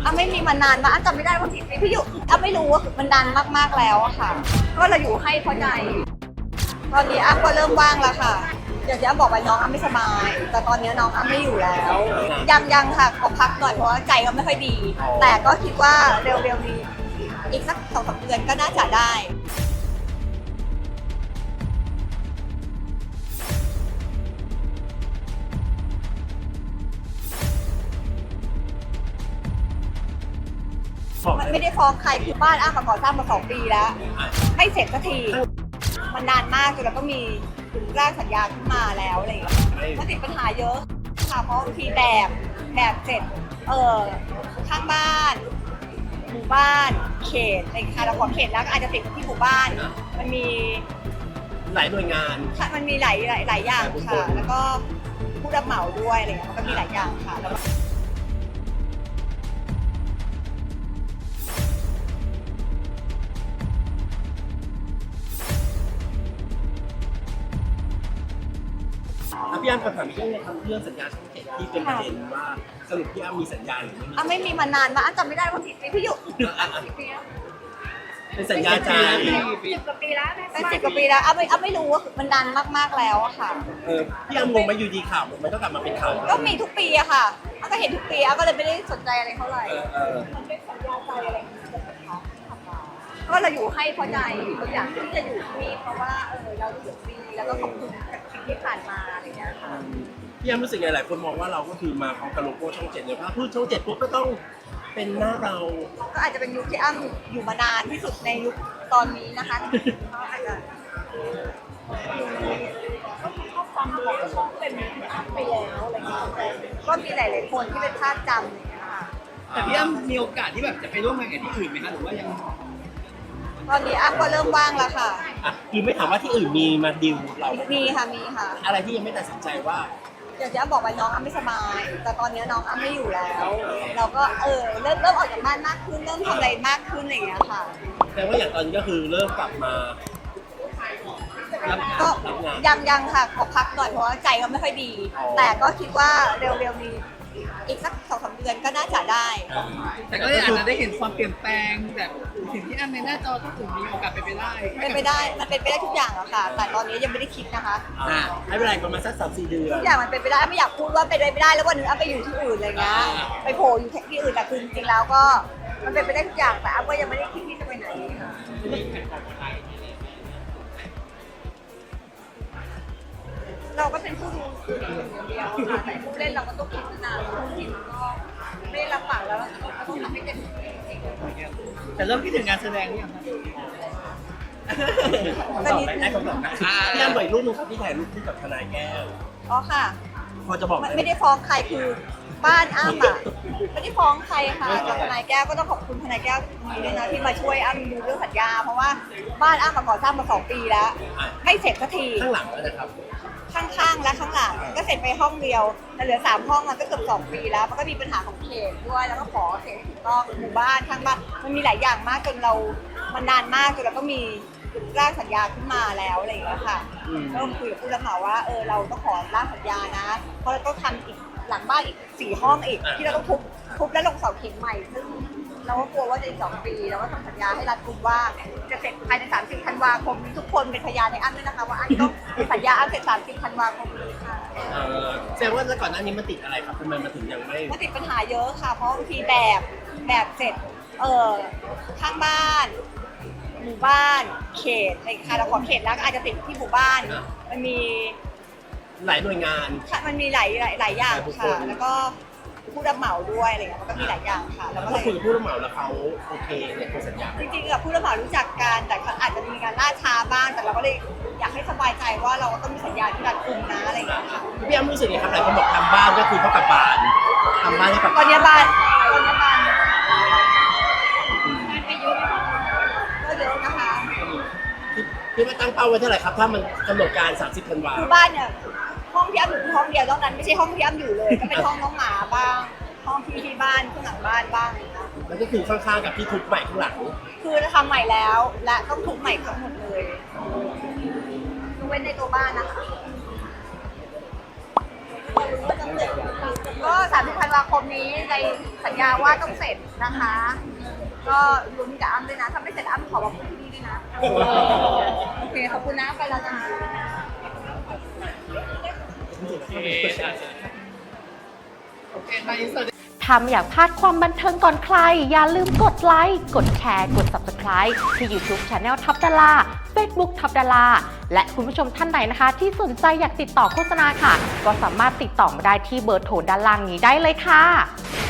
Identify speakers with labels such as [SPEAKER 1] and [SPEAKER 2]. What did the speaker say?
[SPEAKER 1] ไม่มีมานานมากจำไม่ได้ว่ากี่ปีพี่อยู่ไม่รู้ว่ามันนานมากๆแล้วอะค่ะก็เราอยู่ให้เพราะใจตอนนี้ก็เริ่มว่างแล้วค่ะอย่างที่บอกไปน้องไม่สบาย แต่ตอนนี้น้องไม่อยู่แล้วยังค่ะขอพักหน่อยเพราะว่าใจก็ไม่ค่อยดี แต่ก็คิดว่าเร็วๆนี้อีกสัก2-3 เดือนก็น่าจะได้ไม่ได้ฟ้องใครคือบ้านมาก่อสร้างมา2 ปีแล้วไม่เสร็จสักทีมันนานมากจนเราก็มีร่างสัญญาขึ้นมาแล้วอะไรอย่างเงี้ยมันติดปัญหาเยอะค่ะเพราะบางทีแบบเสร็จข้างบ้านหมู่บ้านเขตอะไรค่ะเราขอเขตแล้วก็อาจจะติดที่หมู่บ้านมันมี
[SPEAKER 2] หลายหน่วยงาน
[SPEAKER 1] มันมีหลายอย่างค่ะแล้วก็ผู้รับเหมาด้วยอะไรเงี้ยมันก็มีหลายอย่างค่ะแล้ว
[SPEAKER 2] พี่อ้ำขอถามเรื่องสัญญาช่อง7ที่เป็นประเด็นว่าสรุปพี่อ้ำมีสัญญาหรือไม่มี
[SPEAKER 1] ไม่มีมานานมากจำไม่ได้ว่ากี่ปีพี่อยู่กี่ปีแล้ว
[SPEAKER 2] เป็นสัญญาใจ
[SPEAKER 1] 10 กว่าปีแล้วเป็น10 กว่าปีแล้วไม่รู้ว่ามันนานมากๆแล้วอะค่ะ
[SPEAKER 2] พี่อ้ำงงไหมอยู่ดีข่าวมันก็กลับมาเป็นข่าว
[SPEAKER 1] ก็มีทุกปีอะค่ะก็เห็นทุกปีก็เลยไม่ได้สนใจอะไรเท่าไหร่มันเป็นสัญญาใจอะไรก็เราอยู่ให้เพราะใจตัวอย่างที่จะอยู่ที่นี่เพราะว่าเรารู้สึกดีแล้วก็ขอบคุณกับสิ่งที่ผ่านมาอะไรอย่างเงี้ยค่ะ
[SPEAKER 2] พี่อ้ำรู้สึกไงหลายคนมองว่าเราก็คือมาพร้อมกับโลโก้ช่อง7เลยถ้าพูดช่อง7ปุ๊บก็ต้องเป็นหน้าเรา
[SPEAKER 1] ก็อาจจะเป็นยุคที่อ้ำอยู่มานานที่สุดในยุคตอนนี้นะคะก็อาจจะก็ฟังบอกว่าช่องเป็นอ้ำไปแล้วอะไรเงี้ยก็มีหลายๆคนที่เป็นภาพจำอย่างเงี้ยค่ะ
[SPEAKER 3] แต่พี่อ้ำมีโอกาสที่แบบจะไปร่วมงานกับที่อื่นไหมคะหรือว่ายัง
[SPEAKER 1] ตอนนี้ก็เริ่มว่างแล้วค่ะ
[SPEAKER 2] คือไม่ถามว่าที่อื่นมีมาดิวเรา
[SPEAKER 1] มีค่ะ
[SPEAKER 2] อะไรที่ยังไม่ตัดสินใจว่า
[SPEAKER 1] อย่างที่บอกไปน้องไม่สบาย แต่ตอนนี้น้องไม่อยู่แล้ว เราก็เริ่มออกจากบ้านมากขึ้นเริ่มทำอะไรมากขึ้นอะไรอย่างเงี้ยค่ะ
[SPEAKER 2] แต่ว่าอย่างตอนนี้ก็คือเริ่มกลับมา
[SPEAKER 1] ก็ยังค่ะขอพักหน่อยเพราะว่าใจก็ไม่ค่อยดี แต่ก็คิดว่าเร็วๆนี้อีกสัก2-3 เดือนก็น่าจะได้
[SPEAKER 3] แต่ก็อาจจะได้เห็นความเปลี่ยนแปลงแบบสิ่งที่อันในหน้าจอก็ถึงมีโอกาสเป็นไปได้
[SPEAKER 1] มันเป็นไปได้ทุกอย่างอะค่ะแต่ตอนนี้ยังไม่ได้คิดนะคะ
[SPEAKER 2] ให้เวลาประมาณสัก3-4 เดือน
[SPEAKER 1] ทุกอย่างมันเป็นไปได้ไม่อยากพูดว่าเป็นไปไม่ได้แล้ววันนึงไปอยู่ที่อื่นอะไรเงี้ยไปโผล่อยู่ที่อื่นแต่คือจริงๆแล้วก็มันเป็นไปได้ทุกอย่างแต่ก็ยังไม่ได้คิดที่จะไปไหนเราก็เป็นผู้ดูอย่างเดียวค่ะแต่ผู้เล่นเราก็ต้องคิดนานผู้ทีมก็ไม่รับปากแล้วเราต้องทำให้เต็มที่
[SPEAKER 3] แต่เริ่มคิดถึงงานแสดงหรือยัง
[SPEAKER 2] ตอบได้คำตอบนะพี่อ้ำบ่อยรูปนึงครับที่ถ่ายรูปคู่กับทนายแก้ว
[SPEAKER 1] ค่ะ
[SPEAKER 2] พอจะบอก
[SPEAKER 1] ไม่ได้ฟ้องใครคือบ้านอ้ำไม่ได้ฟ้องใครค่ะกับทนายแก้วก็ต้องขอบคุณทนายแก้วนี้ด้วยนะที่มาช่วยอ้ำดูเรื่องสัญญาเพราะว่าบ้านอ้ำก่อสร้างมา2 ปีแล้วไม่เสร็จสักที
[SPEAKER 2] ข้างหลังนะครับ
[SPEAKER 1] ข้างๆและข้างหลังก็เสร็จไปห้องเดียวแต่เหลือ3 ห้องมันก็เกือบ2 ปีแล้วมันก็มีปัญหาของเขตด้วยแล้วก็ขอเขตถูกต้องหมู่บ้านข้างบ้านมันมีหลายอย่างมากจนมันนานมากจนเราก็มีร่างสัญญาขึ้นมาแล้วอะไรอย่างเงี้ยค่ะก็คุยกับผู้รับเหมาว่าเราต้องขอร่างสัญญานะเพราะเราต้องทำอีกหลังบ้านอีก4 ห้องอีกที่เราต้องทุบและลงเสาเข็มใหม่ซึ่งเราก็กลัวว่าจะอีก2 ปีเราก็ทำสัญญาให้รัฐกุมว่าจะเสร็จภายใน30 ธันวาคมทุกคนเป็นพยานในอ้ำด้วยนะคะว่าอ้ำต้องสัญญาอ้ำเสร็จ30 ธันวาคมนี้ค่ะ
[SPEAKER 2] แสดงว่าก่อนหน้านี้มันติดอะไรครับทำไมมาถึงยังไม่
[SPEAKER 1] มันติดปัญหาเยอะค่ะเพราะบางทีแบบเสร็จข้างบ้านหมู่บ้านเขตอะไรค่ะเราขอเขตแล้วก็อาจจะติดที่หมู่บ้านมันมี
[SPEAKER 2] หลายหน่วยงาน
[SPEAKER 1] มันมีหลายอย่างค่ะแล้วก็ผู้รับเหมาด้วยอะไรเงี้ยมันก็มีหลายอย่างค่ะ
[SPEAKER 2] แล้วก็คุยกับผู้รับเหมาแล้วเขาโอเคในตัวสัญญา
[SPEAKER 1] จริงๆกับผู้รับเหมารู้จักกันแต่อาจจะมีการล่าช้าบ้างแต่เราก็เลยอยากให้สบายใจว่าเราก็ต้องมีสัญญาที่รัดกุมนะอะไรอย่างเงี้ยค่ะ
[SPEAKER 2] พี่อ้ำรู้สึกไงครับหลายคนบอกทำบ้านก็คือเท่ากับบ้านทำบ้านให้กับ
[SPEAKER 1] ตอนนี้บ้านก็เยอะนะคะ
[SPEAKER 2] พี่มาตั้งเป้าไว้เท่าไหร่ครับถ้ามันกำหนดการ30 ธันวาคม
[SPEAKER 1] บ้านเนี่ยห้องที่อ้ำอยู่ห้องเดียวนอกนั้นไม่ใช่ห้องที่อ้ำอยู่เลยก็เป็นห้องน้องหมาบ้างห้องที่บ้านข้างหลังบ้านบ้าง
[SPEAKER 2] แล้วก็คือข้างๆกับที่ทุบใหม่ข้างหลัง
[SPEAKER 1] คือทำใหม่แล้วและต้องทุบใหม่ทั้งหมดเลยยกเว้นในตัวบ้านนะคะก็30ธันวาคมนี้ในสัญญาว่าต้องเสร็จนะคะ ก็ลุ้นกับอ้ำด้วยนะถ้าไม่เสร็จอ้ำขอบอกที่นี่ด้วยนะโอเคขอบคุณนะไปแล้วนะ
[SPEAKER 3] โอเคไปอินเสิร์ต
[SPEAKER 4] ถ้าไม่อยากพลาดความบันเทิงก่อนใคร อย่าลืมกดไลค์ กดแชร์ กด Subscribe ที่ YouTube Channel ทับดารา Facebook ทับดาราและคุณผู้ชมท่านไหนนะคะ ที่สนใจอยากติดต่อโฆษณาค่ะ ก็สามารถติดต่อมาได้ที่เบอร์โทรด้านล่างนี้ได้เลยค่ะ